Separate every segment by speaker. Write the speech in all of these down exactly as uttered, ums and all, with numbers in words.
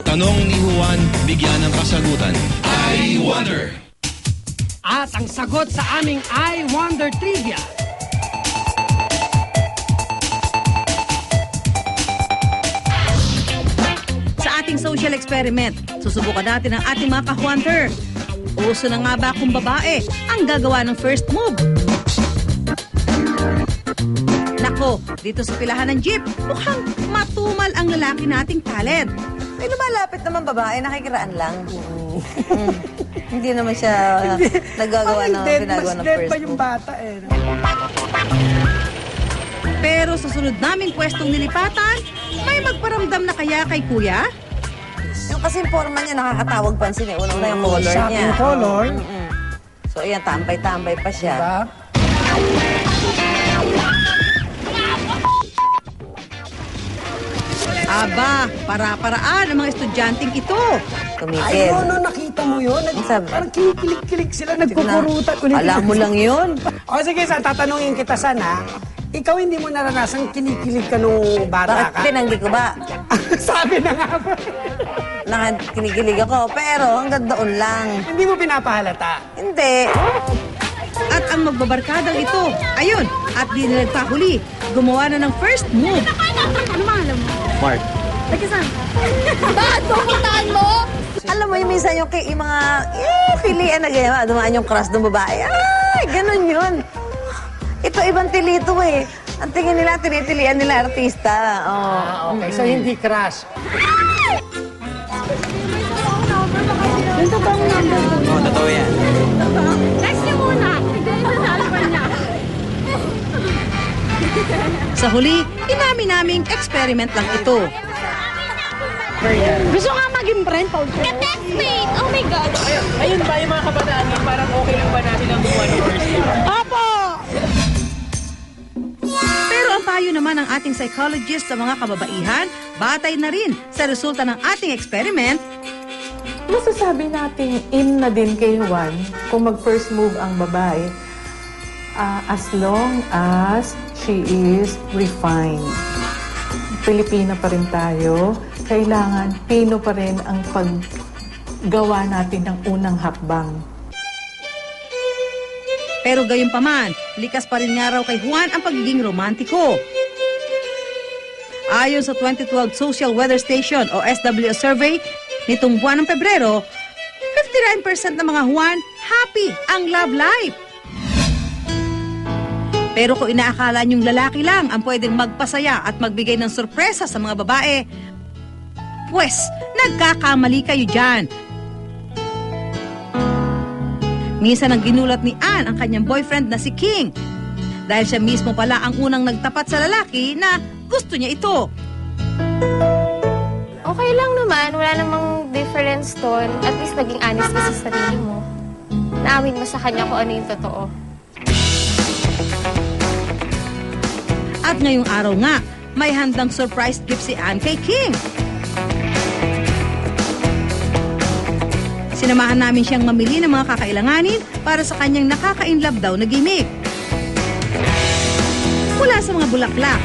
Speaker 1: Tanong ni Juan, bigyan ng kasagutan. I Wonder!
Speaker 2: At ang sagot sa aming I Wonder Trivia.
Speaker 3: Sa ating social experiment, susubukan natin ang ating mga ka-Wonder. Uso na nga ba kung babae ang gagawa ng first move? Nako, dito sa pilahan ng jeep, mukhang matumal ang lalaki nating talent.
Speaker 4: May lumalapit naman babae, nakikiraan lang. Mm. Hindi naman siya nagagawa ng pinagawa ng first
Speaker 2: pa yung
Speaker 4: move.
Speaker 2: bata eh.
Speaker 3: Pero sa sunod naming pwestong nilipatan, may magparamdam na kaya kay kuya?
Speaker 4: Yung kasi forma niya nakakatawag pansin eh. Unang na yung color niya.
Speaker 2: Shopping color.
Speaker 4: Mm -mm. So ayan, tambay-tambay pa siya.
Speaker 2: Diba?
Speaker 3: Aba, para-paraan ang mga estudyanteng ito.
Speaker 4: Tumikil.
Speaker 2: Ay, no, no, nakita mo yun? Nag
Speaker 4: Sabi?
Speaker 2: parang kinikilig-kilig sila, nagkukurutan. Ulit.
Speaker 4: Alam mo lang yun.
Speaker 2: O sige, sa tatanungin kita sana, ikaw hindi mo naranasan kinikilig ka nung bata
Speaker 4: Bakit
Speaker 2: ka?
Speaker 4: pinanggi ko ba?
Speaker 2: Sabi na nga ba?
Speaker 4: Nakakinikilig ako, pero hanggang doon lang.
Speaker 2: Hindi mo pinapahalata.
Speaker 4: Hindi.
Speaker 3: At ang magbabarkadang ito, ayun, at di na nagpahuli, gumawa na ng first move.
Speaker 5: Ano alam mo?
Speaker 1: Mark.
Speaker 5: Nagkasan ka? Bakit mo kitaan mo?
Speaker 4: Alam mo yung minsan yung, kay- yung mga eh, pilian na ganyan, dumaan yung crush ng babae. Ay, ganun yun. Ito ibang tilito eh. Ang tingin nila, tinitilian nila artista. Oh.
Speaker 2: Ah, okay. So, hindi crush.
Speaker 5: Yung totoong number ko.
Speaker 1: Oo, totoo yan.
Speaker 5: Next niyo muna. Bigay sa cellphone niya.
Speaker 3: Sa huli, inamin naming experiment lang ito.
Speaker 5: Gusto nga maging friend, Paul. Ka-textmate! Oh my God!
Speaker 6: Ayun ba yung mga kabataan ngayon, parang okay lang ba natin ang gumawa ng first year?
Speaker 5: Opo!
Speaker 3: Pero ang payo naman ng ating psychologist sa mga kababaihan, batay na rin sa resulta ng ating experiment.
Speaker 7: Masasabi natin in na din kay Juan kung mag-first move ang babae uh, as long as she is refined. Pilipina pa rin tayo. Kailangan Pino pa rin ang paggawa natin ng unang hakbang.
Speaker 3: Pero gayon pa man, likas pa rin nga raw kay Juan ang pagiging romantiko. Ayon sa twenty twelve Social Weather Station o S W S survey, nitong buwan ng Pebrero, fifty-nine percent ng mga Juan happy ang love life. Pero kung inaakala niyong lalaki lang ang pwedeng magpasaya at magbigay ng sorpresa sa mga babae, pues, nagkakamali kayo dyan. Minsan ang ginulat ni Ann ang kanyang boyfriend na si King. Dahil siya mismo pala ang unang nagtapat sa lalaki na gusto niya ito.
Speaker 8: Okay lang naman, wala namang difference doon. At least naging honest ka sa sarili mo. Naamin mo sa kanya kung ano yung totoo.
Speaker 3: At ngayong araw nga, may handang surprise gift si Ann kay King. Sinamahan namin siyang mamili ng mga kakailanganin para sa kanyang nakaka-inlove daw na gimmick. Mula sa mga bulaklak,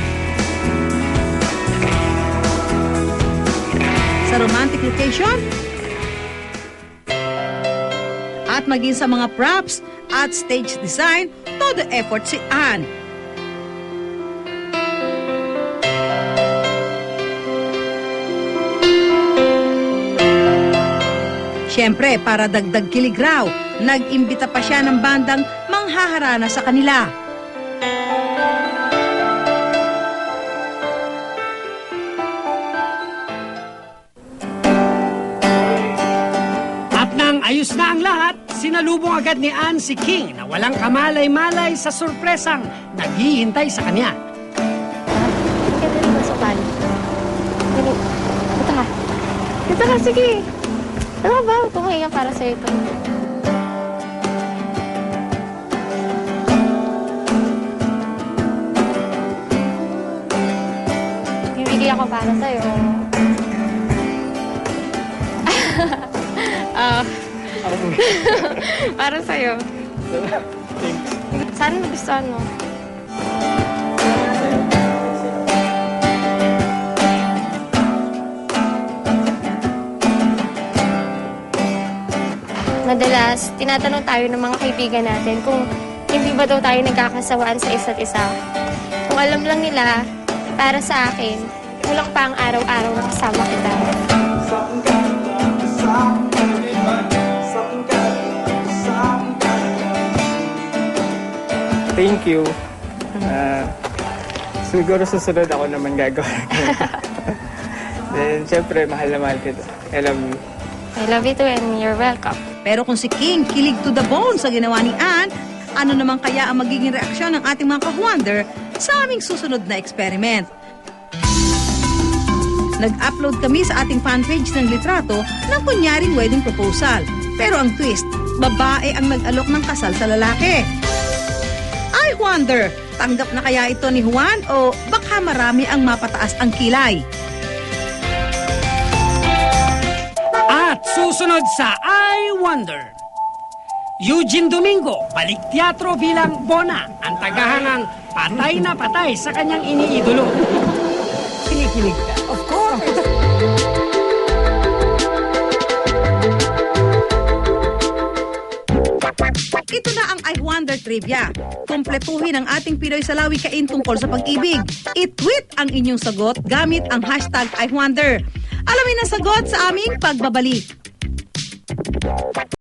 Speaker 3: sa romantic location, at maging sa mga props at stage design, todo effort si Ann. Siyempre, para dagdag kilig raw, nag-imbita pa siya ng bandang manghaharana sa kanila.
Speaker 2: At nang ayos na ang lahat, sinalubong agad ni Ann si King na walang kamalay-malay sa sorpresang naghihintay sa kanya.
Speaker 8: Kaya na rin sa pan. Dali. Dito ka. Dito ka, sige. Ano ba? Tumahinga para sa'yo ito. Bibigay ako para sa'yo. Ah. Para sa'yo. Sana nagustuhan mo. madalas tinatanong tayo ng mga kaibigan natin kung hindi ba daw tayo nagkakasawaan sa isa't isa. Kung alam lang nila, para sa akin, kulang pa ang araw-araw na kasama kita.
Speaker 6: Thank you. Ah, siguro susunod ako naman gagawin. Then, syempre, mahal na mahal kita. I love you.
Speaker 8: I love you too and you're welcome.
Speaker 3: Pero kung si King kilig to the bone sa ginawa ni Ann, ano naman kaya ang magiging reaksyon ng ating mga ka-wonder sa aming susunod na experiment? Nag-upload kami sa ating fanpage ng litrato ng kunyaring wedding proposal. Pero ang twist, babae ang nag-alok ng kasal sa lalaki. I wonder, tanggap na kaya ito ni Juan o baka marami ang mapataas ang kilay?
Speaker 2: At susunod sa I Wonder, Eugene Domingo, balik teatro bilang Bona, ang tagahangang patay na patay sa kanyang iniidolo. Kinikilig ka. Of course.
Speaker 3: Ito na ang I Wonder Trivia. Kumpletuhin ang ating Pinoy Salawi Kain tungkol sa pag-ibig. I-tweet ang inyong sagot gamit ang hashtag I Wonder. Alamin ang sagot sa aming pagbabalik.